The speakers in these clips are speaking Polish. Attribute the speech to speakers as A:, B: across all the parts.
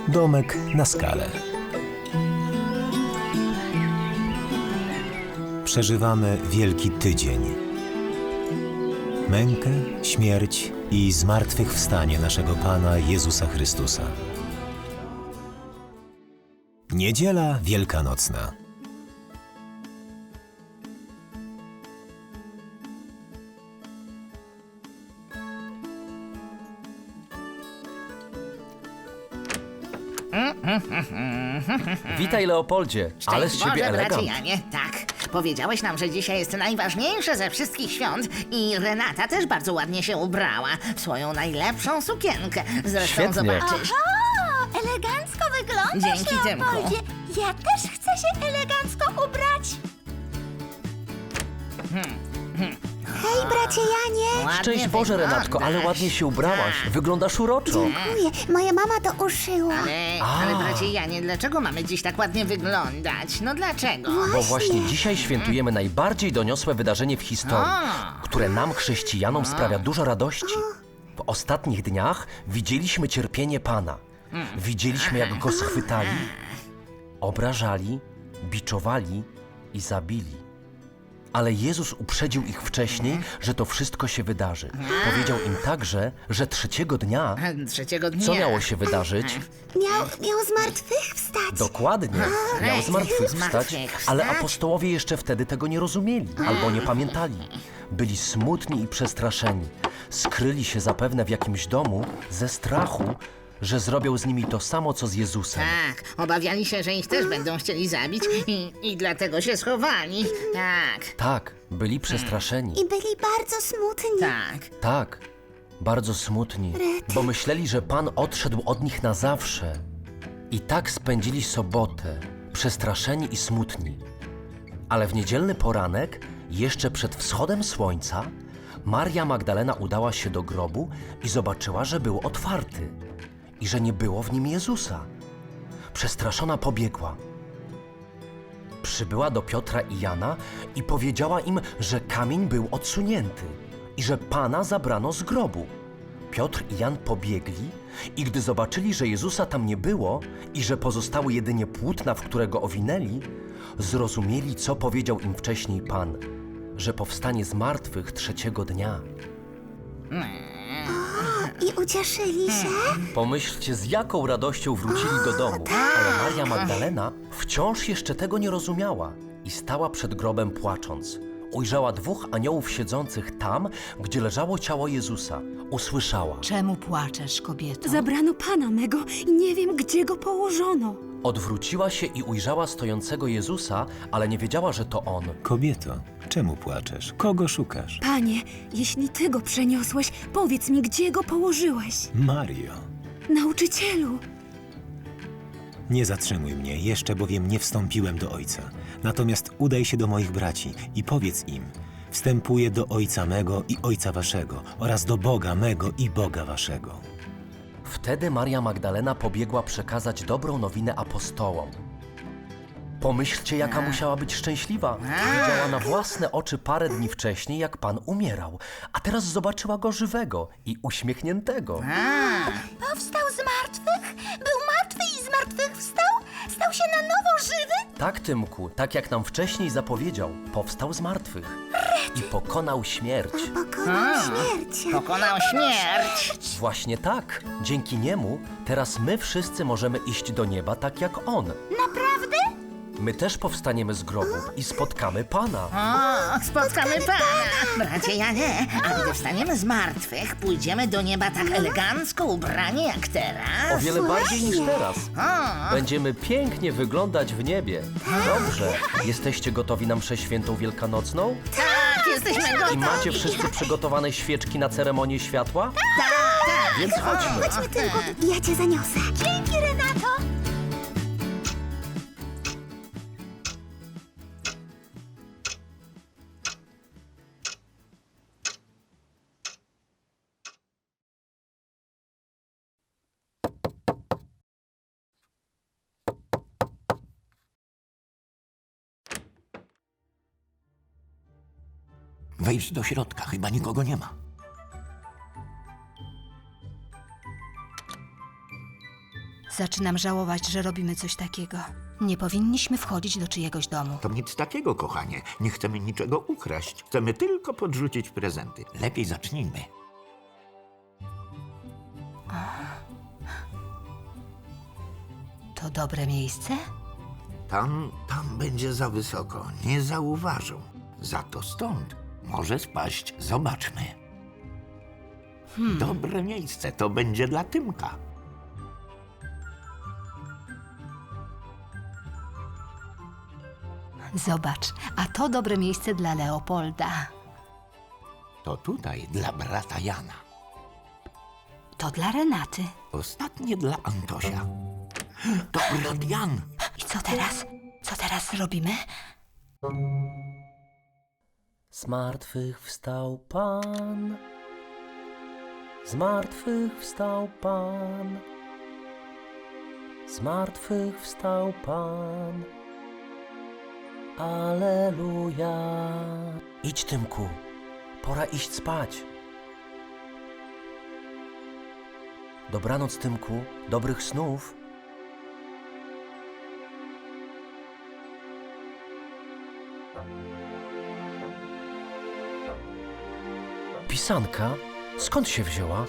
A: Domek na skalę. Przeżywamy Wielki Tydzień. Mękę, śmierć i zmartwychwstanie naszego Pana Jezusa Chrystusa. Niedziela Wielkanocna.
B: Witaj, Leopoldzie, ale z
C: Szczęść
B: ciebie
C: Boże, bracie
B: elegant.
C: Janie, tak. Powiedziałeś nam, że dzisiaj jest najważniejsze ze wszystkich świąt i Renata też bardzo ładnie się ubrała w swoją najlepszą sukienkę. Zresztą
B: Świetnie.
C: zobaczysz.
D: O, elegancko wyglądasz,
C: Dzięki, Tymku.
D: Leopoldzie. Ja też chcę się elegancko ubrać. Hej, bracie Janie.
C: Ładnie
B: Szczęść Boże, Renatko, ale
C: wyglądasz.
B: ładnie się ubrałaś.
C: Tak.
B: Wyglądasz uroczo.
D: Dziękuję, moja mama to uszyła.
C: Ale bracie Janie, dlaczego mamy dziś tak ładnie wyglądać? No dlaczego?
B: Bo właśnie dzisiaj świętujemy najbardziej doniosłe wydarzenie w historii, które nam, chrześcijanom, sprawia dużo radości. W ostatnich dniach widzieliśmy cierpienie Pana. Widzieliśmy, jak Go schwytali, obrażali, biczowali i zabili. Ale Jezus uprzedził ich wcześniej, że to wszystko się wydarzy. Powiedział im także, że trzeciego dnia,
C: Trzeciego dnia.
B: co miało się wydarzyć?
D: Miał zmartwychwstać.
B: Dokładnie, miał zmartwychwstać,
C: Zmartwychwstać.
B: ale apostołowie jeszcze wtedy tego nie rozumieli albo nie pamiętali. Byli smutni i przestraszeni. Skryli się zapewne w jakimś domu ze strachu, że zrobią z nimi to samo, co z Jezusem.
C: Tak, obawiali się, że ich też będą chcieli zabić i dlatego się schowali. Tak,
B: Tak, byli przestraszeni.
D: I byli bardzo smutni.
C: tak.
B: Tak, bardzo smutni, bo myśleli, że Pan odszedł od nich na zawsze. I tak spędzili sobotę, przestraszeni i smutni. Ale w niedzielny poranek, jeszcze przed wschodem słońca, Maria Magdalena udała się do grobu i zobaczyła, że był otwarty i że nie było w nim Jezusa. Przestraszona pobiegła. Przybyła do Piotra i Jana i powiedziała im, że kamień był odsunięty i że Pana zabrano z grobu. Piotr i Jan pobiegli i gdy zobaczyli, że Jezusa tam nie było i że pozostały jedynie płótna, w które go owinęli, zrozumieli, co powiedział im wcześniej Pan, że powstanie z martwych trzeciego dnia.
D: I ucieszyli się.
B: Pomyślcie, z jaką radością wrócili do domu, ale Maria Magdalena wciąż jeszcze tego nie rozumiała i stała przed grobem płacząc. Ujrzała dwóch aniołów siedzących tam, gdzie leżało ciało Jezusa. Usłyszała.
E: Czemu płaczesz, kobieto?
F: Zabrano Pana mego i nie wiem, gdzie go położono.
B: Odwróciła się i ujrzała stojącego Jezusa, ale nie wiedziała, że to On.
A: Kobieto, czemu płaczesz? Kogo szukasz?
F: Panie, jeśli Ty go przeniosłeś, powiedz mi, gdzie go położyłeś.
A: Mario,
F: Nauczycielu,
A: nie zatrzymuj mnie, jeszcze bowiem nie wstąpiłem do Ojca. Natomiast udaj się do moich braci i powiedz im: wstępuję do Ojca mego i Ojca waszego oraz do Boga mego i Boga waszego.
B: Wtedy Maria Magdalena pobiegła przekazać dobrą nowinę apostołom. Pomyślcie, jaka musiała być szczęśliwa. Widziała na własne oczy parę dni wcześniej, jak Pan umierał, a teraz zobaczyła go żywego i uśmiechniętego.
D: Powstał z martwych? Był martwy i zmartwychwstał? Stał się na nowo żywy?
B: Tak, Tymku, tak jak nam wcześniej zapowiedział, powstał z martwych i pokonał śmierć.
D: Pokonał śmierć.
C: Pokonał śmierć.
B: Właśnie tak. Dzięki niemu teraz my wszyscy możemy iść do nieba tak jak On.
D: Naprawdę?
B: My też powstaniemy z grobów i spotkamy Pana.
C: O, spotkamy Pana. Bracie Janie, a gdy wstaniemy z martwych, pójdziemy do nieba tak elegancko ubrani jak
B: O
C: teraz.
B: wiele bardziej niż teraz.
C: O,
B: Będziemy pięknie wyglądać w niebie. Dobrze. Jesteście gotowi na mszę świętą wielkanocną?
C: tak, jesteśmy
B: I
C: gotowi.
B: macie wszyscy przygotowane świeczki na ceremonię światła?
C: Tak.
B: Więc chodźmy.
D: Chodźmy tylko. Ja cię zaniosę. Dzięki, Renato.
G: Wejdź do środka, chyba nikogo nie ma.
E: Zaczynam żałować, że robimy coś takiego. Nie powinniśmy wchodzić do czyjegoś domu.
G: To nic takiego, kochanie. Nie chcemy niczego ukraść. Chcemy tylko podrzucić prezenty. Lepiej zacznijmy.
E: To dobre miejsce?
G: Tam będzie za wysoko. Nie zauważą. Za to stąd może spaść. Zobaczmy. Dobre miejsce. To będzie dla Tymka.
E: Zobacz, a to dobre miejsce dla Leopolda.
G: To tutaj dla brata Jana.
E: To dla Renaty.
G: Ostatnie dla Antosia. To brat Jan.
E: I co teraz? Co teraz robimy?
B: Z martwych wstał Pan. Z martwych wstał Pan. Z martwych wstał Pan. Alleluja. Idź, Tymku. Pora iść spać. Dobranoc, Tymku. Dobrych snów. Pisanka? Skąd się wzięła?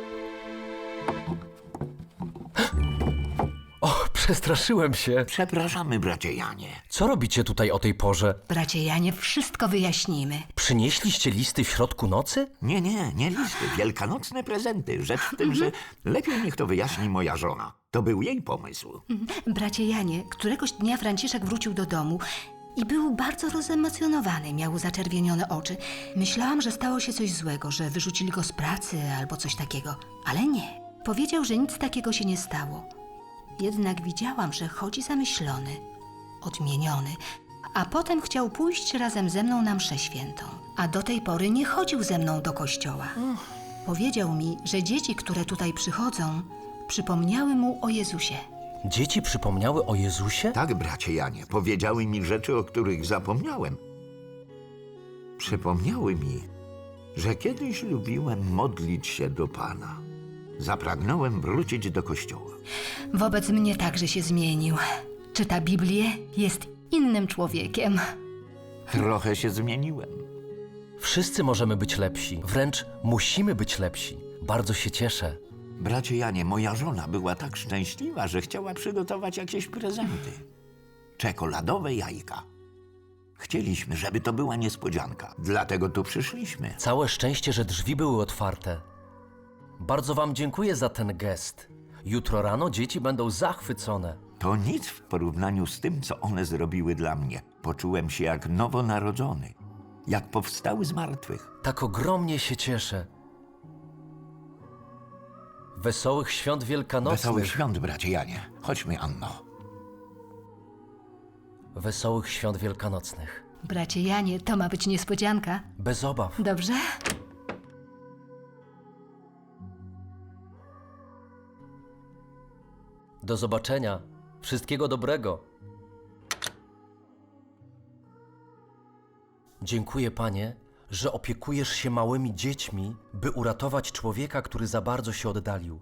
B: O, przestraszyłem się.
G: Przepraszamy, bracie Janie.
B: Co robicie tutaj o tej porze?
E: Bracie Janie, wszystko wyjaśnimy.
B: Przynieśliście listy w środku nocy?
G: Nie listy. Wielkanocne prezenty. Rzecz w tym, że lepiej niech to wyjaśni moja żona. To był jej pomysł.
E: Bracie Janie, któregoś dnia Franciszek wrócił do domu i był bardzo rozemocjonowany, miał zaczerwienione oczy. Myślałam, że stało się coś złego, że wyrzucili go z pracy albo coś takiego, ale nie. Powiedział, że nic takiego się nie stało. Jednak widziałam, że chodzi zamyślony, odmieniony, a potem chciał pójść razem ze mną na mszę świętą, a do tej pory nie chodził ze mną do kościoła. Powiedział mi, że dzieci, które tutaj przychodzą, przypomniały mu o Jezusie.
B: Dzieci przypomniały o Jezusie?
G: Tak, bracie Janie. Powiedziały mi rzeczy, o których zapomniałem. Przypomniały mi, że kiedyś lubiłem modlić się do Pana. Zapragnąłem wrócić do kościoła.
E: Wobec mnie także się zmienił. Czyta Biblię, jest innym człowiekiem.
G: Trochę się zmieniłem.
B: Wszyscy możemy być lepsi. Wręcz musimy być lepsi. Bardzo się cieszę.
G: Bracie Janie, moja żona była tak szczęśliwa, że chciała przygotować jakieś prezenty. Czekoladowe jajka. Chcieliśmy, żeby to była niespodzianka. Dlatego tu przyszliśmy.
B: Całe szczęście, że drzwi były otwarte. Bardzo wam dziękuję za ten gest. Jutro rano dzieci będą zachwycone.
G: To nic w porównaniu z tym, co one zrobiły dla mnie. Poczułem się jak nowonarodzony. Jak powstały z martwych.
B: Tak ogromnie się cieszę. Wesołych świąt wielkanocnych.
G: Wesołych świąt, bracie Janie. Chodźmy, Anno.
B: Wesołych świąt wielkanocnych.
E: Bracie Janie, to ma być niespodzianka.
B: Bez obaw.
E: Dobrze?
B: Do zobaczenia. Wszystkiego dobrego. Dziękuję, Panie, że opiekujesz się małymi dziećmi, by uratować człowieka, który za bardzo się oddalił.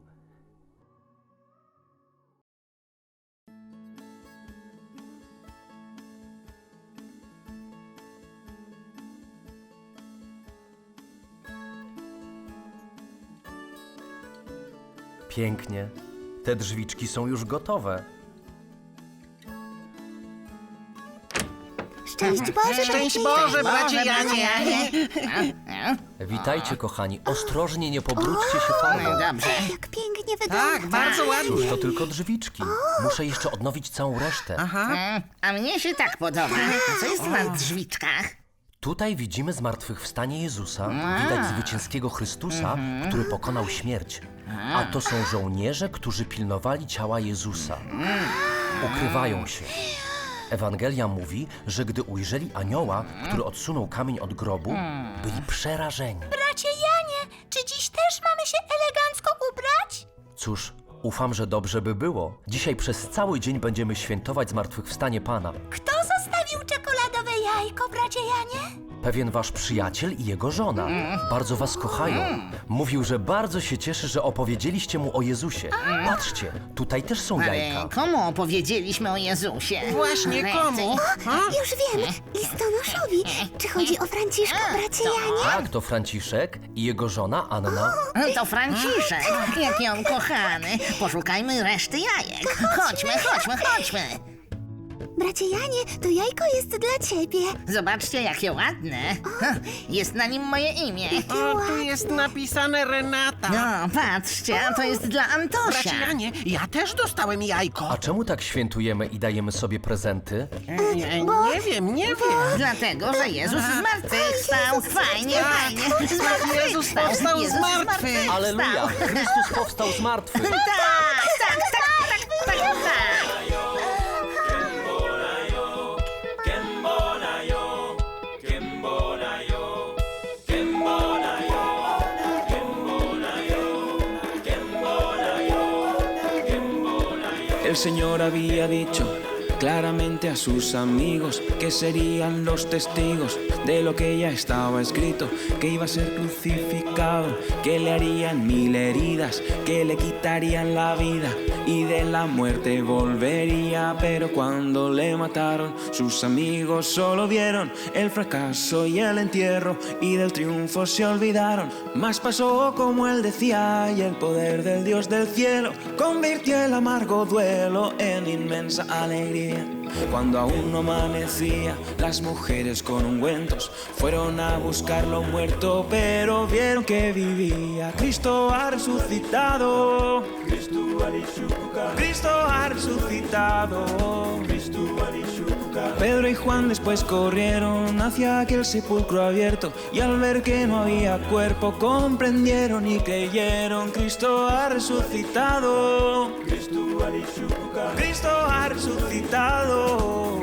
B: Pięknie. Te drzwiczki są już gotowe.
D: Szczęść Boże,
C: Szczęść Boże, bracie Janie!
B: Witajcie, kochani. Ostrożnie, nie pobrudźcie się farbą.
C: Dobrze.
D: jak pięknie wygląda.
C: Tak, bardzo ładnie.
B: Cóż, to tylko drzwiczki. Muszę jeszcze odnowić całą resztę.
C: A mnie się tak podoba. A co jest na drzwiczkach?
B: Tutaj widzimy zmartwychwstanie Jezusa, widać zwycięskiego Chrystusa, który pokonał śmierć. A to są żołnierze, którzy pilnowali ciała Jezusa. Ukrywają się. Ewangelia mówi, że gdy ujrzeli anioła, który odsunął kamień od grobu, byli przerażeni.
D: Bracie Janie, czy dziś też mamy się elegancko ubrać?
B: Cóż, ufam, że dobrze by było. Dzisiaj przez cały dzień będziemy świętować zmartwychwstanie Pana.
D: Kto zostawił czekoladowe jajko, bracie Janie?
B: pewien wasz przyjaciel i jego żona. Bardzo was kochają. Mówił, że bardzo się cieszy, że opowiedzieliście mu o Jezusie. Patrzcie, tutaj też są jajka.
C: Ale komu opowiedzieliśmy o Jezusie?
H: Właśnie komu?
D: Już wiem, listonoszowi. Czy chodzi o Franciszka, bracie Janie?
B: Tak, to Franciszek i jego żona Anna.
C: To Franciszek, jaki on kochany. Poszukajmy reszty jajek. Chodźmy.
D: Bracie Janie, to jajko jest dla ciebie.
C: Zobaczcie, jakie ładne. Jest na nim moje imię.
H: O, tu jest napisane Renata.
C: No, patrzcie, a to jest dla Antosia.
H: Bracie Janie, ja też dostałem jajko.
B: A czemu tak świętujemy i dajemy sobie prezenty?
H: Nie wiem.
C: Dlatego, że Jezus zmartwychwstał. Fajnie.
H: Jezus powstał z martwych.
B: Aleluja! Chrystus powstał z martwych.
C: Tak.
I: El Señor había dicho claramente a sus amigos que serían los testigos de lo que ya estaba escrito, que iba a ser crucificado, que le harían 1000 heridas, que le quitarían la vida y de la muerte volvería. Pero cuando le mataron, sus amigos solo vieron el fracaso y el entierro y del triunfo se olvidaron. Mas pasó como él decía y el poder del Dios del cielo convirtió el amargo duelo en inmensa alegría. Cuando aún no amanecía, las mujeres con ungüentos fueron a buscarlo muerto, pero vieron que vivía. Cristo ha resucitado. Cristo ha resucitado. Pedro y Juan después corrieron hacia aquel sepulcro abierto y al ver que no había cuerpo comprendieron y creyeron. Cristo ha resucitado. Cristo ha resucitado.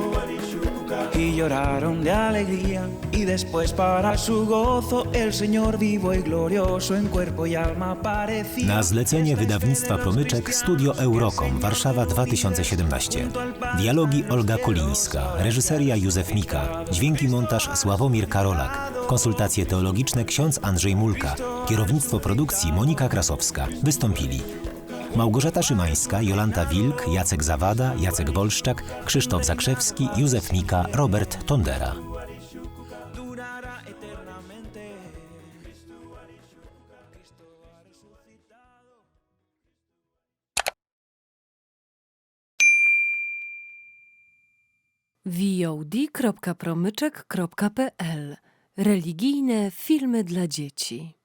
I: Y lloraron de alegría y después para su gozo el Señor vivo y glorioso en cuerpo y alma aparecía.
A: Na zlecenie wydawnictwa Promyczek Studio Eurocom, Warszawa 2017. Dialogi Olga Kolińska, reżyseria Józef Mika, dźwięki montaż Sławomir Karolak, konsultacje teologiczne ksiądz Andrzej Mulka, kierownictwo produkcji Monika Krasowska. Wystąpili Małgorzata Szymańska, Jolanta Wilk, Jacek Zawada, Jacek Wolszczak, Krzysztof Zakrzewski, Józef Mika, Robert Tondera.
F: VOD.promyczek.pl. Religijne filmy dla dzieci.